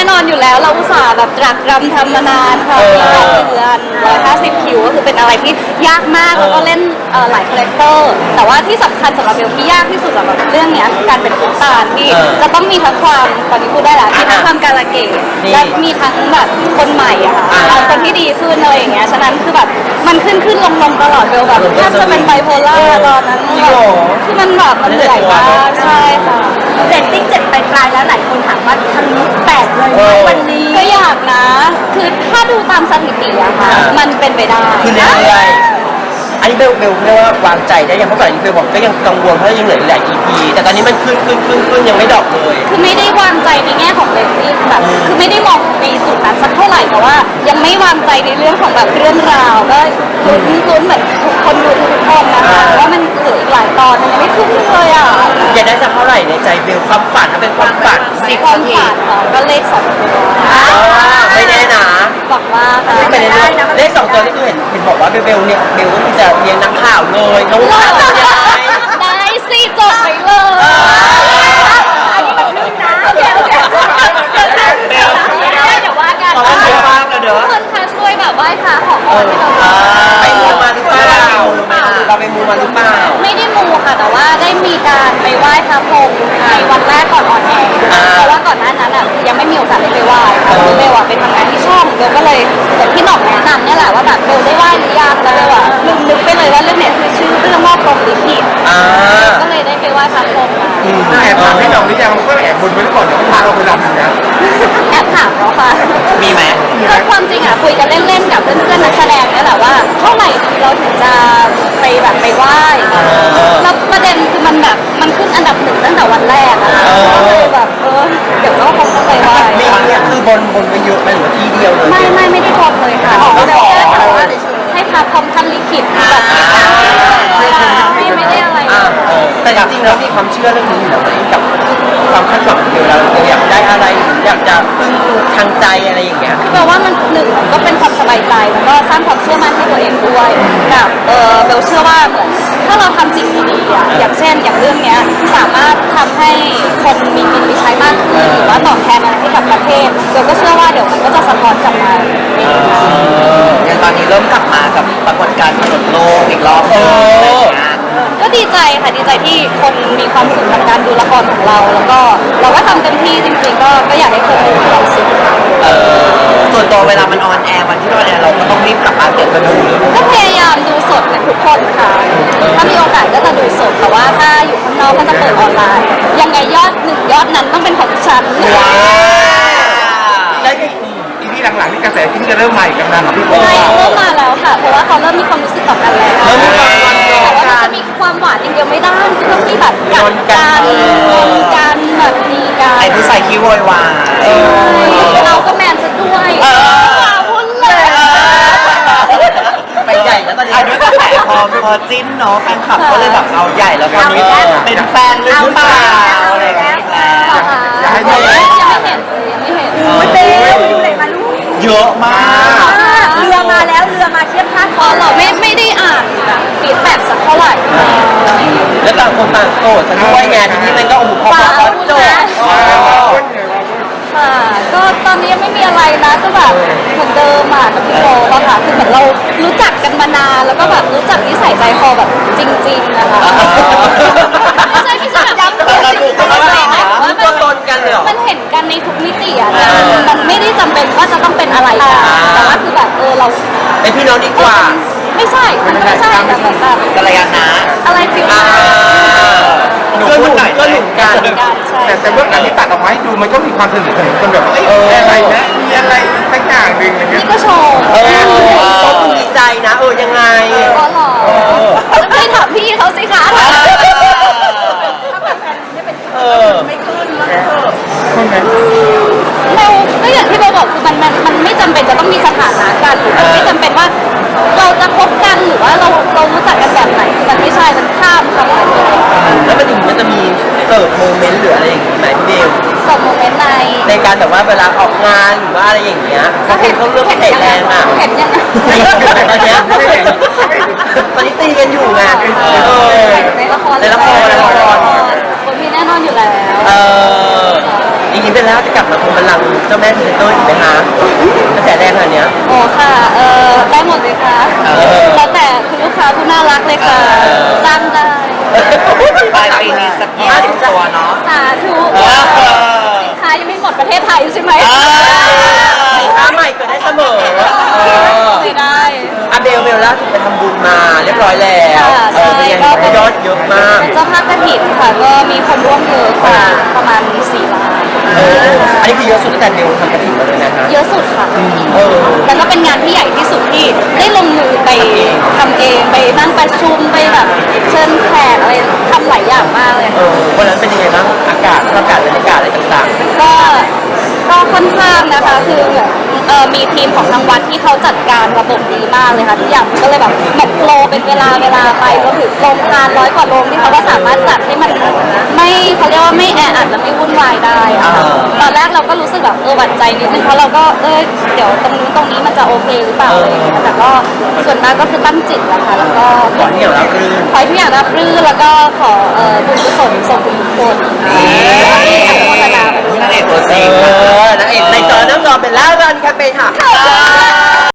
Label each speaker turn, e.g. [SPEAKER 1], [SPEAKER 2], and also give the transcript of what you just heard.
[SPEAKER 1] นอนอยู่แล้วเราอุตส่าห์แบบตรักตรำทำมานานค่ะมี8 เดือน150 คิวก็คือเป็นอะไรที่ยากมากแล้วก็เล่นหลายคาแรคเตอร์แต่ว่าที่สำคัญสำหรับเบลที่ยากที่สุดสำหรับเรื่องนี้คือการเป็นตุ๊กตาที่จะต้องมีทั้งความตอนนี้พูดได้แล้วมีทั้งความการะเกดและมีทั้งแบบคนใหม่อะค่ะคนที่ดีขึ้นอะไรอย่างเงี้ยฉะนั้นคือแบบมันขึ้นลงตลอดเบลแบบแทบจะเป็นไบโพล่าตอนนั้นคือมันแบบมันเหนื่อยมากใช่ค่ะ
[SPEAKER 2] เรตติ้ง7 ปลายๆแล้วหลายคนถามว่าทะลุ8เลยไหมวันนี้
[SPEAKER 1] ก็อยากนะคือถ้าดูตามสถิติอะค่ะมันเป็นไปได้
[SPEAKER 3] คือเรื่อยๆอันนี้เบลเรียกว่าวางใจได้ยังเพราะก่อนนี้เบลบอกก็ยังกังวลเพราะยังเหลืออีกหลาย EP แต่ตอนนี้มันขึ้นยังไม่ดรอปเลย
[SPEAKER 1] คือไม่ได้วางใจในแง่ของเรตติ้งแบบคือไม่ได้มองในจุดนั้นสักเท่าไหร่แต่ว่ายังไม่วางใจในเรื่องของแบบเรื่องราวก็ลุ้นเหมือนทุกคนดูทุกคนนะคะว่ามันเหลืออีกหลายตอนมันยังไม่ขึ้นเลยอ่ะ
[SPEAKER 3] อยากได้สักเท่าไหร่ในใจเบลความฝันถ้าเป็นความฝัน10
[SPEAKER 1] ความ
[SPEAKER 3] นาที
[SPEAKER 1] ฝันก็เลข2 ตัว
[SPEAKER 3] ไม่แน่นะ
[SPEAKER 1] บอกว่าค่ะ
[SPEAKER 3] ไม่เป็นไรเลข2 ตัวนี่คือเห็นบอกว่าเบลเนี่ยเบลก็คือจะเรียนนักข่าวเลยน้องข่าวเป็นยังไง
[SPEAKER 1] ได้สิจบไปเลย
[SPEAKER 2] อันนี้มันขึ้นนะโอเค
[SPEAKER 1] เดี๋ยวว่ากันทุกคนคะช่วยแบบไหว้พระขอพรให้เรา
[SPEAKER 3] ไปมูมาหรือเปล่าเราไปมูมาหรือเปล่า
[SPEAKER 1] ไม่ได้มูค่ะแต่ว่าได้มีการไปไหว้พระพรหมในวันแรกก่อนออนแอร์เพราะว่าก่อนหน้านั้นยังไม่มีโอกาสได้ไปไหว้ค่ะเบลไปทำงานที่ช่องเบลก็เลยเหมือนพี่หน่องแนะนำเนี่ยแหละว่าแบบเบลได้ไหว้หรือยังแล้วเบลลืมนึกไปเลยว่าเรื่องเนี้ยคือชื่อเรื่องว่าพรหมลิขิตก็เลยได้ไปไหว้พระพรหม
[SPEAKER 4] แอบถามพี่หน่องหรือยังก็แอบบนไว้ก่อนเดี๋ยวพาเราไปรำอยู่นะ
[SPEAKER 1] แอบถามแล้วค่ะ
[SPEAKER 3] มีไหม
[SPEAKER 1] ก็ความจริงคุยกันเล่นๆกับเพื่อนๆนักแสดงนี่แหละว่าเท่าไหร่เราถึงจะไปแบบไปไหว้แล้วประเด็นคือมันแบบมันขึ้นอันดับ1ตั้งแต่วันแรกอะก็เลยแบบเดี๋ยวก็คงต้องไปไหว้
[SPEAKER 3] นี่คือบนไปเยอะไหมหรือที่เดียวเลย
[SPEAKER 1] ไม่ได้บนเลยค่ะเราแค่แต่ว่าให้พระพรหมท่านลิขิตแบบไม่ได้อะไร
[SPEAKER 3] แต่จริงๆแล้วมีความเชื่อเรื่องนี้อยู่แล้วกับความคาดหวังเดียวเราอยากได้อะไรอยากจะพึ่งทางใจอะไรอย่างเงี้ย
[SPEAKER 1] คือแปลว่ามัน1ก็เป็นความสบายใจแล้วก็สร้างความเชื่อมั่นให้ตัวเองด้วยกับเบลเชื่อว่าเหมือนถ้าเราทำสิ่งดีๆอย่างเช่นอย่างเรื่องเนี้ยสามารถทำให้คนมีกินมีใช้มากขึ้นหรือว่าตอบแทนอะไรให้กับประเทศเบลก็เชื่อว่าเดี๋ยวมันก็จะสะท้อนกลับมา
[SPEAKER 3] ตอนนี้เริ่มกลับมากับปรากฏการณ์ถนนโลกอีกรอบ
[SPEAKER 1] ก็ดีใจค่ะดีใจที่คนมีความสุขกับการดูละครของเราแล้วก็เราก็ทำเต็มที่จริงๆก็อยากให้คนดูมีความสุข
[SPEAKER 3] ส่วนตัวเวลามันออนแอร์วันที่ออนแอร์เราก็ต้องรีบกลับบ้านเก็บมาดู
[SPEAKER 1] ก็พยายามดูสดกันทุกคนค่ะถ้ามีโอกาสก็จะดูสดแต่ว่าถ้าอยู่ข้างนอกก็จะเปิดออนไลน์ยังไงยอดนั้นต้องเป็นของฉัน
[SPEAKER 4] ได้อีพีหลังๆนี่กระแสที่จะเริ่มใหม่กันนะพี่โอ้
[SPEAKER 1] ใช่เริ่มมาแล้วค่ะเพราะว่าเขาเริ่มมีความรู้สึกต่อกันแล้วแต่ว่ามันจะมีความหวานอย่างเดียวไม่ได้คือต้องมีแบบกัดกันแบบดีกัน
[SPEAKER 3] ไอ้ผู้ชายขี้โวยวาย
[SPEAKER 1] เราก็แมนซะด้วยว้าวพุ่นเลย
[SPEAKER 3] ไปใหญ่แล้วตอนนี้ด้วยกระแสพอจิ้นเนาะแฟนคลับก็เลยแบบเอาใหญ่แล้วตอนนี้เป็นแฟนหรือเปล่าอะไรอย่างเงี้ย
[SPEAKER 1] ยังไม่เห็น
[SPEAKER 2] เบลไปดูไหนมาลูก
[SPEAKER 3] เยอะมาก
[SPEAKER 2] เรือมาแล้วเรือมาเทียบท่า
[SPEAKER 1] พอเราไม่ได้อ่านแบบฟีดแบ็กสักเท่าไหร่
[SPEAKER 3] แล้วต่างคนต่างโสดด้วยไงทีนี้มันก็พอโจทย์
[SPEAKER 1] ค่ะก็ตอนนี้ยังไม่มีอะไรนะก็แบบเหมือนเดิมกับพี่โบอะค่ะคือเหมือนเรารู้จักกันมานานแล้วก็แบบรู้จักนิสัยใจคอแบบจริงๆนะคะไม่ใช่แบบย้ำ
[SPEAKER 3] เราดูกันว่ามันตัวตนกันเลย
[SPEAKER 1] มันเห็นกันในทุกมิติอะมันไม่ได้จำเป็นว่าจะต้องเป็นอะไรกันแต่ว่าคือแบบเรา
[SPEAKER 3] เป็นพี่น้องดีกว่า
[SPEAKER 1] ไม่ใช่มันไม่ใช่แบบ
[SPEAKER 3] กัลยาณะ
[SPEAKER 1] อะไรฟิล
[SPEAKER 3] หนุ่มก็หนุ่มกัน
[SPEAKER 4] แต่เบื้องหลังที่ตัดออกมาให้ดูมันก็มีความสนิทสนมกันแบบอะไรนะมีอะไรสักอย่างหนึ่งอะไรเงี้ย
[SPEAKER 1] นี่ก็โชว์
[SPEAKER 3] ต้องดีใจนะยังไง
[SPEAKER 1] อ๋อหรอไม่ถามพี่เขาสิคะ
[SPEAKER 2] ไม่ขึ้น
[SPEAKER 1] เราก็อย่างที่เราบอกคือมันไม่จำเป็นจะต้องมีสถานะกันหรือมันไม่จำเป็นว่าเราจะคบกันหรือว่าเรารู้จักกันแบบไหนมันไม่ใช่มันข้ามคำว่า
[SPEAKER 3] แล้วมันจะมีเสิร์ฟโมเมนต์หรืออะไรอย่างงี้ไหมพี่เบล
[SPEAKER 1] ส่งโมเมนต์
[SPEAKER 3] ในการแบบว่าเวลาออกงานหรือว่าอะไรอย่างเงี้ยเขาเลือกเตะแรง
[SPEAKER 1] เห็นยัง
[SPEAKER 3] ตอนนี้ตีกันอยู่ไง
[SPEAKER 1] ในละครคนมีแน่นอนอยู่แล้ว
[SPEAKER 3] จริงๆเป็นแล้วจะกลับมาคงบัลลังก์เจ้าแม่พรีเซนเตอร์อีกไหมคะกระแสแรงขนาดเนี้ย
[SPEAKER 1] โอ้ค่ะได้หมดเลยค่ะแล้วแต่คุณลูกค้าผู้น่ารักเลยค่ะจ้างได้
[SPEAKER 3] ปลายปีนี้สัก20 ตัวเนาะ
[SPEAKER 1] สาธุสินค้ายังไม่หมดประเทศไทยใช่ไหม
[SPEAKER 3] สินค้าใหม่เกิดได้เสมอ
[SPEAKER 1] ไม่ได้
[SPEAKER 3] อาเบลล่าสุดไปทำบุญมาเรียบร้อยแล้ว
[SPEAKER 1] ค่ะใช่
[SPEAKER 3] เป็นยังไง
[SPEAKER 1] ก็เป็น
[SPEAKER 3] ยอดเยอะมาก
[SPEAKER 1] เป็นเจ้าภาพกระถิ่นค่ะก็มีคนร่วมเยอะค่ะประมาณ4 ล้าน
[SPEAKER 3] อันนี้คือเยอะสุดตั้งแต่เบลทำกระถิ่นมาเลยนะคะ
[SPEAKER 1] เยอะสุดค่ะ
[SPEAKER 3] เออ
[SPEAKER 1] แล้วก็เป็นงานที่ใหญ่ที่สุดที่ได้ลงมือไปทำเองไปนั่งประชุมไปแบบเชิญแขกอะไรทำหลายอย่างมากเลย
[SPEAKER 3] วันนั้นเป็นยังไงบ้างอากาศบรรยากาศอะไรต่าง
[SPEAKER 1] ก็ค่อนข้างนะคะคือเหมือนมีทีมของทางวัดที่เขาจัดการระบบดีมากเลยค่ะทุกอย่างมันก็เลยแบบเหมือนโฟลว์เป็นเวลาไปก็ถึงโรงทาน100 กว่าโรงที่เขาก็สามารถจัดให้มันไม่เขาเรียกว่าไม่แออัดและไม่วุ่นวายได้อะค่ะตอนแรกเราก็รู้สึกแบบหวั่นใจนิดนึงเพราะเราก็เดี๋ยวตรงนี้มันจะโอเคหรือเปล่าอะไรอย่างเงี้ยแต่ก็ส่วนมากก็คือตั้งจิตนะคะแล้วก็
[SPEAKER 3] ๆขอที่อย่างรับรื่น
[SPEAKER 1] ขอให้ทุกอย่างรับรื่นแล้วก็ขอบุญกุศลส่งบุญกุศลที่อนุโมทนาไปด้วย
[SPEAKER 3] นางเอกตัวจริงนางเอกในจอน้ำจอเป็นล่ารันแคมเปญค่ะ